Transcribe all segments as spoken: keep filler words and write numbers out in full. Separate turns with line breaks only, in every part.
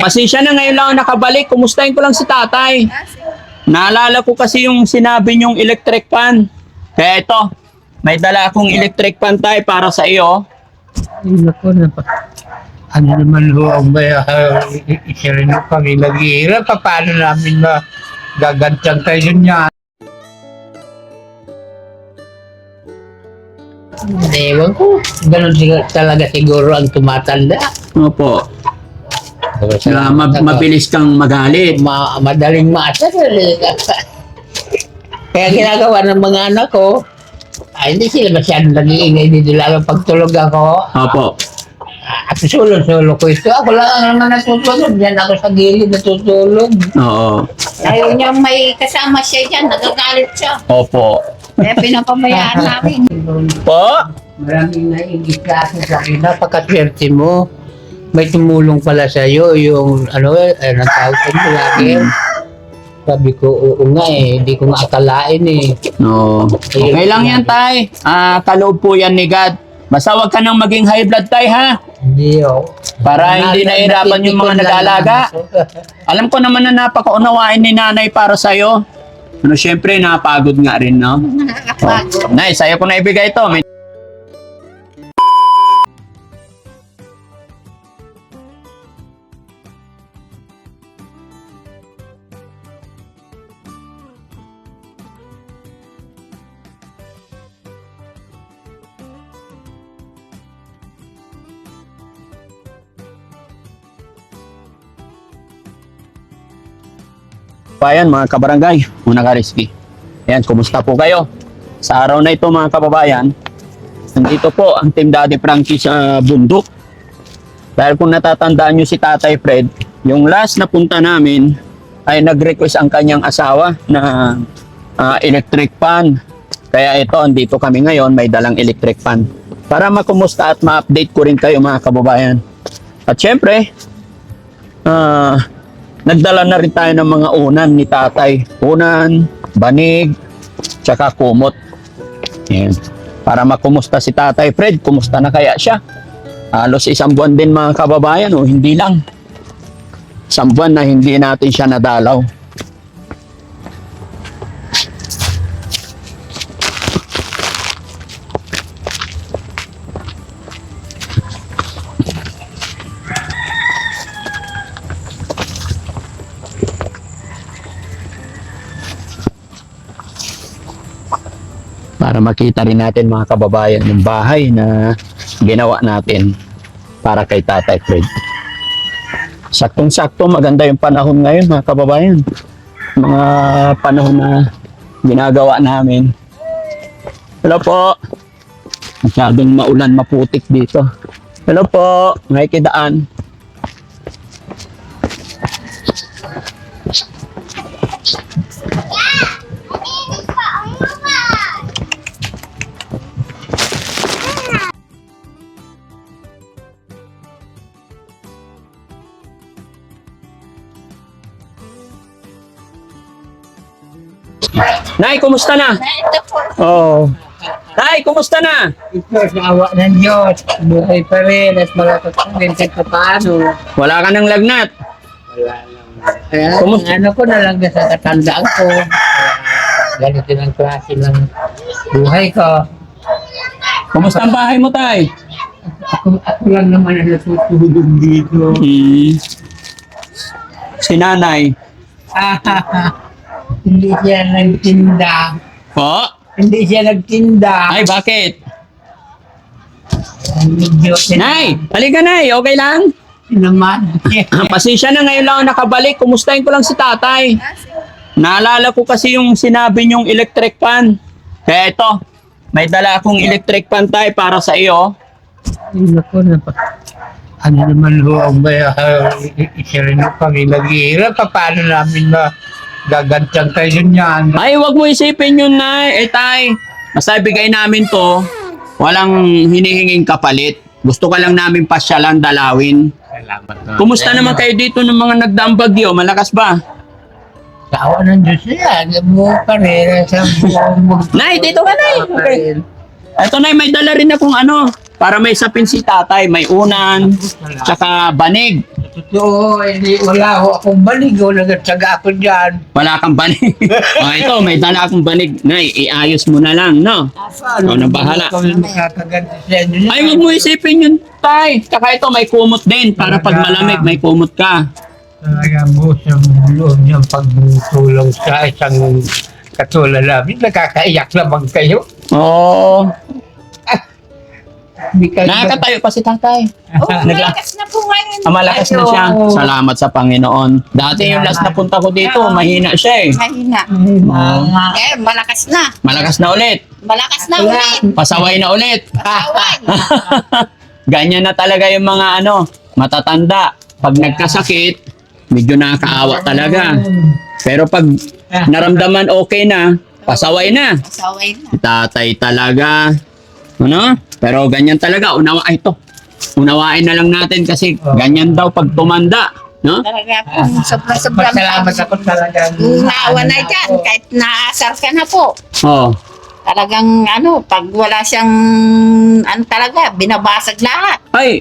Pasensya na, ngayon lang ako nakabalik. Kumustahin ko lang si tatay. Naalala ko kasi yung sinabi niyong electric fan. Kaya ito, may dala akong electric fan tayo para sa iyo.
Ay, naku, napa. Ano naman ho ang may uh, isa rin ho kami nag-iirap. Paano namin na gagantang kayo niya? Ewan ko. Ganon sig- talaga siguro ang tumatanda.
Opo. Kaya ma- mabilis kang magalit.
Ma madaling maasar. Kaya ginagawa ng mga anak ko, ay hindi sila masyadong nag-iingay dito lang pagtulog ako.
Opo.
At sulo-sulo ko ito. Ako lang ang naman natutulog. Diyan ako sa gilid natutulog.
Oo.
Ayaw niya may kasama siya dyan, nagagalit siya.
Opo.
Kaya pinapabayaan namin.
Po?
Maraming naingit ka sa akin. Napakaswerte mo. May tumulong pala sa'yo yung ano eh, anong tawag ko mo lagi. Sabi ko, oo nga eh. Hindi ko nga akalain eh.
No. Okay lang yan, tay. Ah, kaloob po yan ni God. Basta wag ka nang maging high blood, tay, ha?
Hindi oh.
Para hindi nahirapan yung mga nag-aalaga. Alam ko naman na napakaunawain ni nanay para sa'yo. Ano, syempre, napagod nga rin, no?
Nakakapagod.
Nay, sa'yo ko na ibigay ito. May... Bayan, mga kabarangay, mga ka-risky. Ayan, kumusta po kayo? Sa araw na ito, mga kababayan, nandito po ang Team Daddy Frankie sa bundok. Dahil kung natatandaan nyo si Tatay Fred, yung last na punta namin ay nag-request ang kanyang asawa na uh, electric fan. Kaya ito, andito kami ngayon, may dalang electric fan. Para makumusta at ma-update ko rin kayo, mga kababayan. At syempre, ah... Uh, nagdala na rin tayo ng mga unan ni tatay. Unan, banig, tsaka kumot. Yan. Para makumusta si Tatay Fred, kumusta na kaya siya? Halos isang buwan din, mga kababayan, o hindi lang. Isang buwan na hindi natin siya nadalaw. Para makita rin natin, mga kababayan, yung bahay na ginawa natin para kay Tatay Fred. Saktong-sakto, maganda yung panahon ngayon, mga kababayan. Mga panahon na ginagawa namin. Hello po. Masyadong maulan, maputik dito. Hello po. Nakikidaan. Nay, kumusta na?
Ito po.
Oh. Nay, kumusta na?
Ito, sa awa ng Diyos. Buhay pa rin. At malakas pa rin kahit pa paano.
Wala ka ng lagnat.
Wala lang. Kaya
Kumusta?
ang ano ko na lang sa katandaan ko. Kaya ganito ng klase ng buhay ko.
Kumusta ang bahay mo, tay?
Ako, ako lang naman ang natutulog dito.
Hmm. Si nanay.
Hindi siya nagtinda.
Po?
Hindi siya nagtinda.
Ay, bakit?
Medyo
Nay, halika, Nay. Okay lang?
naman.
Pasensya na, ngayon lang ako nakabalik. Kumustahin ko lang si tatay. Naalala ko kasi yung sinabi niyong electric fan. Kaya ito, may dala akong electric fan tayo para sa iyo.
Ay, naku, napa. Ano naman ho ang may uh, isa rin ho kami nag-iirap. Paano namin na gagantang kayo niyan?
Ay, wag mo isipin yun, Nay. Eh, tay, basta bigay namin to. Walang hinihinging kapalit. Gusto ka lang namin pasyalan, dalawin.
Salamat na.
Kumusta naman kayo dito ng mga nagdaang bagyo? Malakas ba?
Sa awa ng Diyos yan. Mo pa rin. Sa buong
Nay, dito ka, Nay. Okay. Ito, Nay, may dala rin akong ano, para may sapin si tatay. May unan, tsaka banig.
Totoo, hindi, wala ho akong banig. O, nagtsaga ako dyan.
Wala kang banig. O ito, may dala akong banig. Nay, iayos mo na lang, no? Ikaw na bahala.
Kami makakaganti sa inyo.
Ay, huwag mo isipin yun, tay. Tsaka ito, may kumot din. Para pag malamig, may kumot ka.
Talaga mo sa loob niyang pagtulong sa isang katulad namin. Nakakaiyak naman kayo.
Oo.
Hindi kayo...
Nakakatayo pa si tatay.
Oh,
Nagla-
malakas na po ngayon.
Ah, malakas na siya.
Ayaw.
Salamat sa Panginoon. Dati yung last na punta ko dito, mahina siya eh.
Mahina.
Mga...
Eh, malakas na.
Malakas na ulit.
Malakas na ulit.
Pasaway na ulit.
Pasaway.
Ganyan na talaga yung mga ano, matatanda. Pag nagkasakit, medyo nakakaawa talaga. Pero pag naramdaman okay na, pasaway na.
Pasaway na.
Si tatay talaga. Ano? Pero ganyan talaga. Unawa, ay ito. Unawain na lang natin kasi ganyan daw pag tumanda. No?
Talaga po, sobra-sobrang
Pasalamat ako talaga.
Unawa na dyan, kahit naasar ka na po.
Oh.
Talagang ano, pag wala siyang, ano talaga, binabasag lahat.
Ay,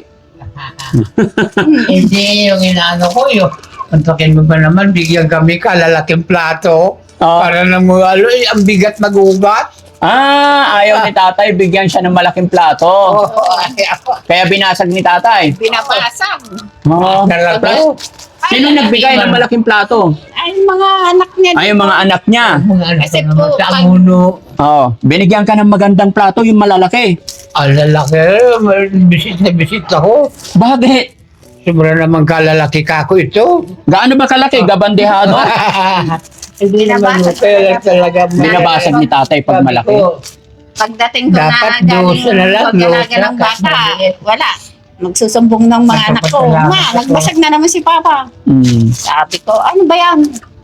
Hindi yung inaano ko yun. Antakin mo ba naman, bigyan kami kalalaking plato.
Oh.
Para nang mga ano, eh, ang bigat magugat.
ah, ayaw ni tatay bigyan siya ng malaking plato.
Oo, ay ako.
Kaya binasag ni tatay.
Binabasag.
Oh.
Talaga.
Sino nagbigay ng malaking plato?
Ay, mga anak niya.
Ay, yung mga anak niya.
Mga anak
Kasi
ko naman
po,
sa
pag-
amuno.
Oh, binigyan ka ng magandang plato, yung malalaki.
Ang lalaki, may bisit na bisit ako.
Bakit?
Sobra naman kalalaki ka ako ito.
Gaano ba kalaki? Gabandehado?
Hindi naman
Binabasag
kaya lang talaga.
Binabasag ni tatay pag
Sabi
malaki.
ko,
Pagdating ko
Dapat
na galing
dosa na lang,
pagdalaga
dosa,
ng bata,
kasi maliit.
wala. Magsusumbong ng mga anak ko.
Nagpapasalamat
Ma,
ako.
nagbasag na naman si Papa.
Mm.
Sabi ko, ano ba yan?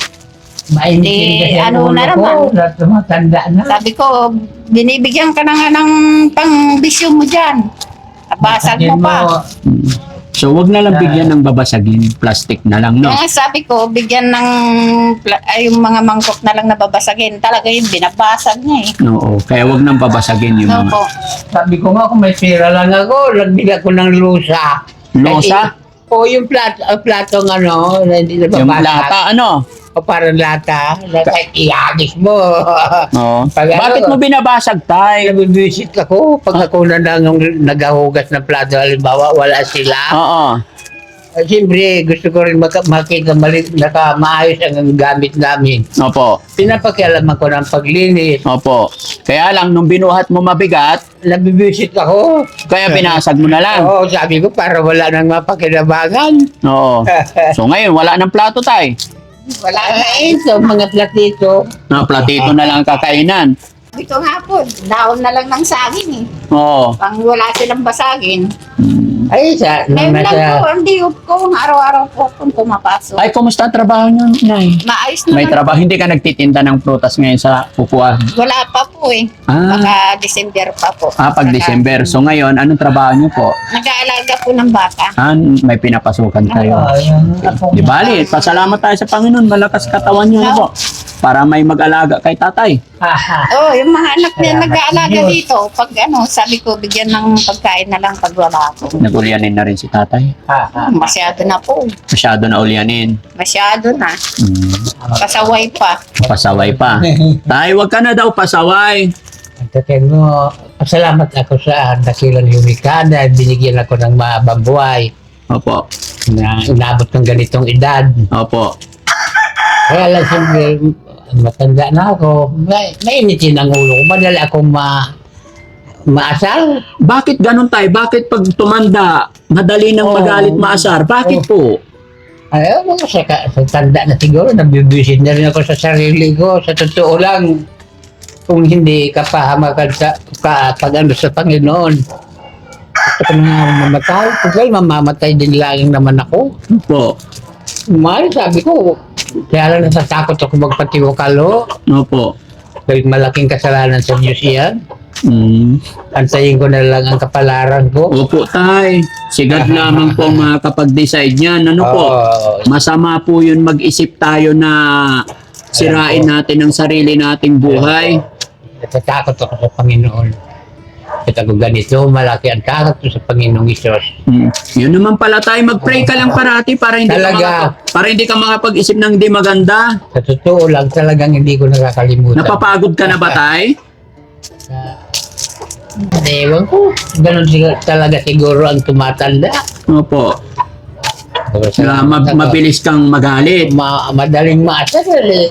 Mainit
Eh,
kasi ang
ano
ulo
na
ko,
naman?
lahat tumatanda na.
Sabi ko, binibigyan ka na nga ng pang-bisyo mo dyan. Nabasag mo pa.
Mm. So, wag na lang bigyan ng babasagin. Plastic na lang, no?
Kaya sabi ko, bigyan ng, pla- ay, yung mga mangkok na lang nababasagin. Talaga yung binabasag niya eh.
Oo. Kaya wag nang babasagin yung
No
mga...
po.
Sabi ko nga kung may pera lang ako, nagbigay ko ng lusa.
Losa?
O yung plato, ang platong ano, na hindi na
Yung
babasag.
lata, ano?
O parang lata, na kahit iagis mo.
Oo.
Pag ano,
Bakit mo binabasag, tay?
Nabibisit ako pag ako na lang yung naghahugas ng plato, halimbawa wala sila.
Oo.
Uh, Siyempre, gusto ko rin maka- makita mali, naka maayos ang gamit namin.
Opo.
Pinapakialaman ko ng paglinis.
Opo. Kaya lang, nung binuhat mo mabigat,
Nabibisit ako.
kaya binasag mo na lang.
Oo, sabi ko para wala nang mapakinabangan.
Oo. So ngayon, wala ng plato, tay.
Wala na
Ay,
eh.
ito, mga platito.
Na platito na lang ang kakainan.
Sabi ko nga po, daon na lang ng saging eh.
Oo.
Pang wala silang basagin.
Mm.
Ay, sa, nung
Ngayon lang po,
nasa,
ang diop ko, araw-araw po kung pumapasok.
Ay, kumusta ang trabaho niyo, nay?
Maayos naman.
May trabaho. Hindi ka nagtitinda ng prutas ngayon sa kukuha.
Wala pa po eh.
Ah.
Baka December pa po.
Ah, pag
Saka,
December. So ngayon, anong trabaho niyo po?
Nag-aalaga po ng bata.
Ah, may pinapasukan kayo. Di bali, pasalamat tayo sa Panginoon. Malakas katawan niyo na po. Para may mag-alaga kay tatay.
Oh, yung mga anak niya
Salamat
nag-aalaga
Diyos.
dito. Pag ano, sabi ko, bigyan ng pagkain na lang pag wala ako.
Nag-ulyanin na rin si tatay.
Masyado na po.
Masyado na ulyanin.
Masyado na.
Hmm.
Pasaway pa.
Pasaway pa. Tay, wag ka na daw pasaway.
Takin mo, pasalamat ako sa dakilang lumika na binigyan ako ng mahabang buhay
Opo.
na inabot ng ganitong edad.
Opo.
Kaya lang siyempre, matanda na ako. May, mainitin ang ulo ko. Madali akong ma, maasal.
Bakit ganun tay? Bakit pag tumanda, madali nang
Oo.
magalit maasar? Bakit po?
Ayaw mo, sa, ka- sa tanda na siguro, nabibisit na rin ako sa sarili ko. Sa totoo lang, kung hindi ka pahamakan sa, ka, pag ano sa Panginoon, gusto ko na nga mamatay. Total, mamamatay din lang naman ako.
Opo.
Mahal, sabi ko, kaya lang natatakot ako magpatiwakalo.
Opo.
Dahil malaking kasalanan sa Diyos yan.
Mm.
Antayin ko na lang ang kapalaran ko.
Opo, tay. Sigad lamang po makakapag-decide niyan. Ano po?
Oo.
Masama po yun mag-isip tayo na sirain natin ang sarili nating buhay.
Natatakot ako sa Panginoon. At ako ganito, malaki ang takot ko sa Panginoong Isos.
Mm. Yun naman pala tayo, mag-pray ka lang parati para hindi ka
Talaga.
makapag- para hindi ka makapag-isip ng hindi maganda.
Sa totoo lang, talagang hindi ko nakakalimutan.
Napapagod ka na ba tay?
Uh, ewan ko, ganun siga- talaga siguro ang tumatanda.
Opo. Kaya ma- mabilis kang magalit.
Ma madaling maasar.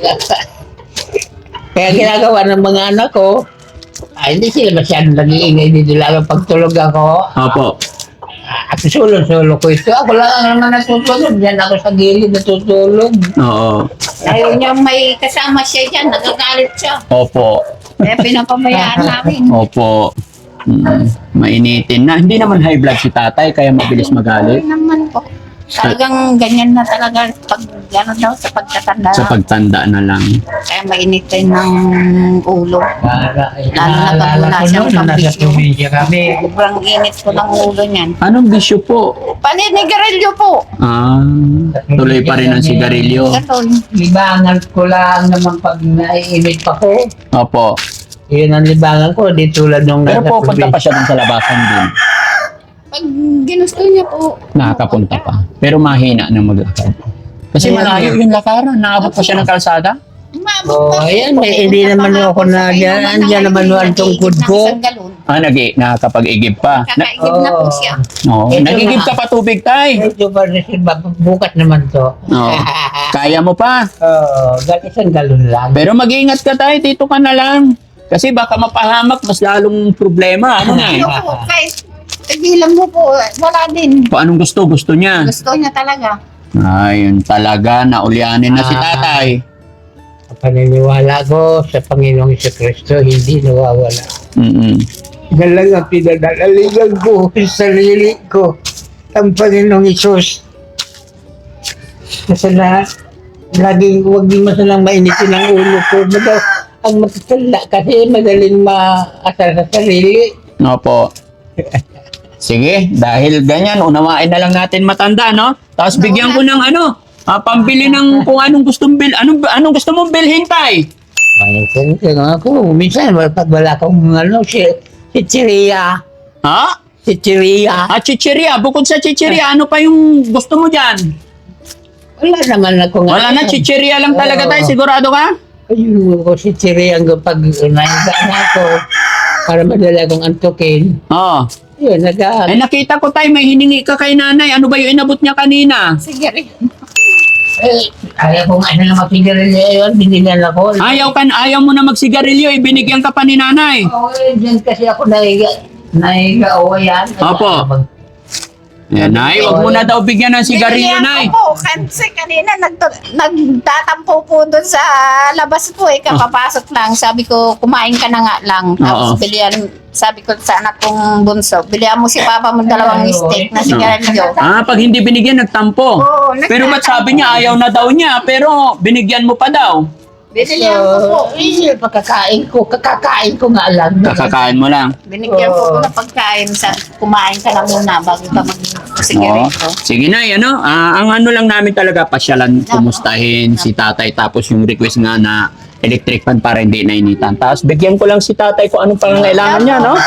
Kaya ginagawa ng mga anak ko, ay hindi sila masyadong nag-iingay dito, lalo pag tulog ako.
Opo.
At sulong-sulo ko ito. Ako lang ang naman natutulog. Diyan ako sa gilid natutulog.
Oo.
Ayaw niya may kasama siya dyan, nagagalit siya.
Opo.
Kaya pinapabayaan namin.
Opo. Mm. Mainitin na. Hindi naman high blood si tatay, kaya mabilis magalit.
Ay naman po. Talagang ganyan na talaga pag gano'n daw sa pagtatanda.
Sa pagtanda na lang.
Kaya mainitin ng ulo.
Para,
Lalo na pag
naalala
wala
ko
siyang
noon, nasa
pambisyo.
probinsya kami.
Sobrang init po ng ulo niyan.
Anong bisyo po?
Paninigarilyo po.
Ah, tuloy pa rin ang sigarilyo.
Ganun.
Libangan ko lang naman pag naiinit pa ko.
Opo.
Yun ang libangan ko, di tulad nung
Pero
nasa
po, punta pa
probinsya.
siya dun sa labasan din.
Pag ginusto niya po.
Nakakapunta pa. Pero mahina na maglakad. Kasi
Ayan.
malayo yung lakaran. Naabot pa siya ng kalsada.
Umabot
Oo,
pa.
ayan, may- hindi naman ako na dyan. Andyan naman ang tungkod ko.
Ah, nag nakakapag-igib pa. Na,
Kakaigib na po siya.
oh,
Ito
nagigib
na.
ka pa tubig, tay.
Ito ba, bukas naman to.
Oo. Kaya mo pa.
Oo, gal isang galon lang.
Pero mag-iingat ka, tay. Dito ka na lang. Kasi baka mapahamak, mas lalong problema. Ano na eh?
Ano po, kahit tigilan mo po, wala din.
Kung anong gusto, gusto niya.
Gusto niya talaga.
Ayun talaga, naulyanin na si tatay.
Ang paniniwala ko sa Panginoong Kristo, hindi nawawala.
Mm-mm.
Yan lang ang pinadalaligan ko sa sarili ko. Ang Panginoong Isus. Kasi na, laging huwag din masalang mainitin ang ulo ko. Madaw, ang matatanda kasi madaling maasar sa sarili.
Opo. Sige, dahil ganyan, unawain na lang natin matanda, no? Tapos bigyan ko ng ano, ah, pambili ng kung anong gustong bil, anong, anong gusto mong bilhin, tay?
Ay, kasi ako, minsan pag wala akong ano, si, si Chiria.
Ha?
Si Chiria.
Ah, chichiria. Bukod sa chichiria, ano pa yung gusto mo dyan?
Wala naman ako nga.
Wala na, chichiria lang talaga, tay. Sigurado ka?
Ayun ko si Chiria ang pag nahiga na ako para madala akong antukin.
Oo.
Yun, naga.
Eh, nakita ko, tay, may hiningi ka kay nanay. Ano ba yung inabot niya kanina?
Sige rin.
Eh, ayaw ko nga na magsigarilyo yun, binigyan ako.
Ayaw, kan, ayaw mo na magsigarilyo, ibinigyan ka pa ni nanay.
Oo, eh, dyan kasi ako nahiga. Nahiga, o yan.
Opo. Yan, nay, wag mo na daw bigyan ng sigarilyo,
Binilihan
nay.
ko po, kasi kanina nagtu- nagtatampo po doon sa labas po eh, kapapasok lang. Sabi ko, kumain ka na nga lang. Tapos
Oo.
bilihan, sabi ko sa anak kong bunso, bilihan mo si papa mo dalawang
Ay,
steak na
oo.
sigarilyo.
Ah, pag hindi binigyan, nagtampo.
Oo,
Pero ba't sabi niya, ayaw na daw niya, pero binigyan mo pa daw?
Binilihan ko po.
Eh, pagkakain ko, kakakain ko nga lang.
Kakakain mo lang.
Binigyan ko po
Oo.
ng pagkain. Sabi ko, kumain ka na muna bago ka
Oo.
mag-sigarilyo.
Sige na, ano, ah, ang ano lang namin talaga, pasyalan, kumustahin si tatay, tapos yung request nga na electric fan para hindi nainitan. Tapos bigyan ko lang si tatay kung anong pangangailangan niya, no?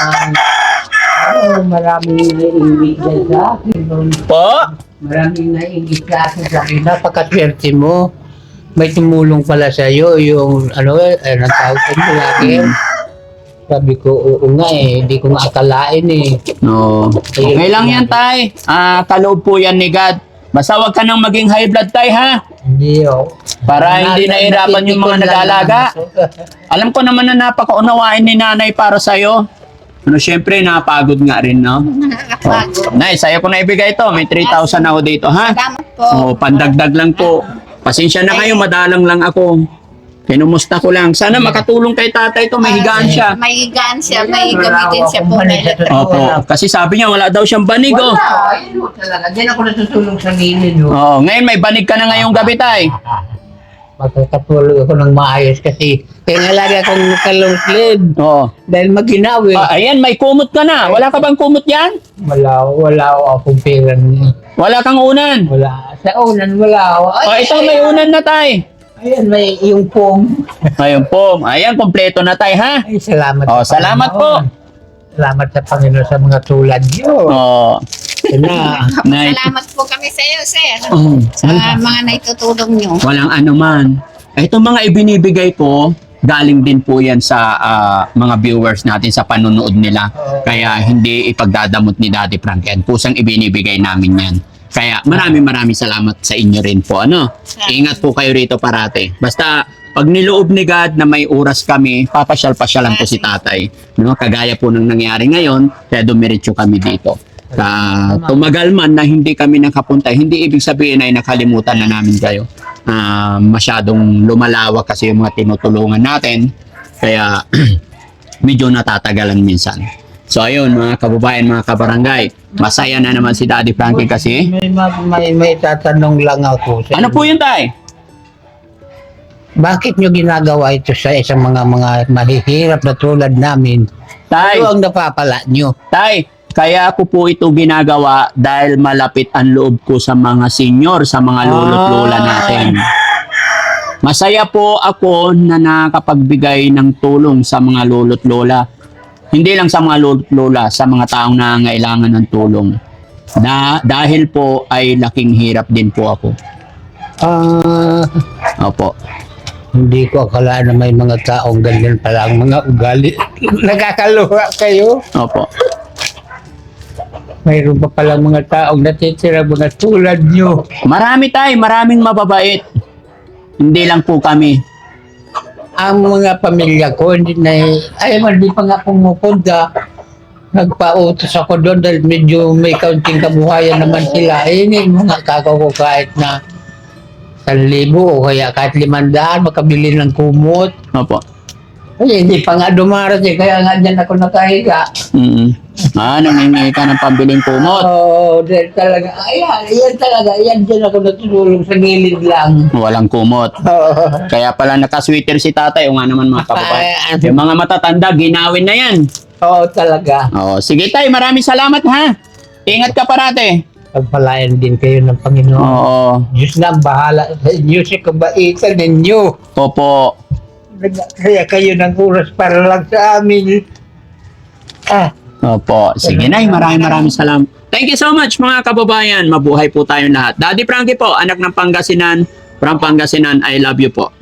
Oh, maraming naiingit dyan sa akin.
Po?
Maraming naiingit sa akin sa akin. Napakaswerte mo. May tumulong pala sa iyo yung ano eh, ang tawag ko mo lagi. Sabi ko, oo nga eh, hindi ko nga akalain eh.
No. Okay lang yan, tay. Ah, kaloob po yan ni God. Basta wag ka nang maging high blood, tay, ha?
Hindi oh.
Para hindi
Na-
nahirapan yung mga
napitikon lang
nag-aalaga.
naman.
Alam ko naman na napakaunawain ni nanay para sa'yo. Ano, syempre, napagod nga rin, no?
Nakakapagod.
Nay, sa'yo ko na ibigay ito. May three thousand ako dito, ha?
Salamat po.
Oo, pandagdag lang po. Pasensya na kayo, madalang lang ako. Kinumusta ko lang. Sana makatulong kay tatay to, may higaan siya.
May higaan siya, may gamitin siya po.
Wala akong
Opo, kasi sabi niya wala daw siyang banig, oh.
Wala, ayun oh, talaga. Diyan ako natutulong sa gilid oh.
Oo, ngayon may banig ka na ngayong gabi, tay.
Magkakatulog ako ng maayos kasi kaya nga lagi akong kalong sled
Oo.
dahil maginawi.
Ah, ayan, may kumot ka na. Wala ka bang kumot yan?
Wala, wala akong pera.
Wala kang unan.
Wala. Sa unan, wala ako. Ay,
Oh, ito may unan na, tay.
Ayan, may yung pong.
Ayun po. Ayan, kompleto na, tay, ha?
Ay, salamat.
Oh,
sa
salamat po.
Panginoon. Salamat sa Panginoon sa mga tulad niyo.
Oh,
Na,
Nay.
Salamat po kami sa iyo, sir.
Oh,
Sa mga naitutulong nyo.
walang ano man. Itong mga ibinibigay ko, galing din po yan sa ah, mga viewers natin sa panonood nila. Kaya hindi ipagdadamot ni Daddy Frank yan. Pusang ibinibigay namin yan. Kaya maraming maraming salamat sa inyo rin po. Ano? Ingat po kayo rito parate. Basta pag niloob ni God na may oras kami, papasyal-pasyalan po si tatay. No? Kagaya po nang nangyari ngayon, kaya dumiretso kami dito. Ka tumagal man na hindi kami nakapunta, hindi ibig sabihin ay nakalimutan na namin kayo. Ah, masyadong lumalawak kasi yung mga tinutulungan natin. Kaya medyo natatagalan minsan. So ayun mga kababayan, mga kabarangay, masaya na naman si Daddy Frankie kasi.
may, ma- may, may tatanong lang ako. Sa
Ano po yun, tay?
Bakit nyo ginagawa ito sa isang mga mga mahihirap na tulad namin?
Tay,
Ano ang napapala nyo?
tay, kaya ko po ito ginagawa dahil malapit ang loob ko sa mga senior, sa mga lolo't lola natin. Masaya po ako na nakapagbigay ng tulong sa mga lolo't lola. Hindi lang sa mga lolo't lola, sa mga taong nangangailangan ng tulong. Na, dahil po ay laking hirap din po ako.
Ah,
Opo.
hindi ko akala na may mga taong ganyan pala ang mga ugali. Nakakaluha kayo.
Opo.
Mayroon pa palang mga taong natitira mga tulad nyo.
Marami tayo, maraming mababait. Hindi lang po kami.
Ang mga pamilya ko, hindi na, ay, hindi pa nga pumupunta. Nagpa-utos ako doon dahil medyo may kaunting kabuhayan naman sila. Eh, hindi mga kakaw ko kahit na isang libo o kaya kahit limandaan, makabili ng kumot.
Opo.
Ay, hindi pa nga dumarating, kaya nga dyan ako nakahiga.
Mm Ah, nangingi ka ng pambiling kumot.
Oo, oh, dahil talaga, ayan, ayan talaga, ayan dyan ako natutulong sa gilid lang.
Walang kumot.
Oo.
Kaya pala nakasweater si tatay. O nga naman mga kababayan.
Ay,
Yung mga matatanda, ginawin na yan.
Oo, talaga.
Oh, sige tay, maraming salamat ha. Ingat ka parate.
Pagpalayan din kayo ng Panginoon.
Oo.
Diyos na ang bahala sa inyo sa kabaitan ninyo.
Opo.
Kaya kayo ng oras para lang sa amin. Ah,
Opo. Sige nay, maraming maraming salamat. Thank you so much mga kababayan. Mabuhay po tayong lahat. Daddy Frankie po, anak ng Pangasinan. From Pangasinan, I love you po.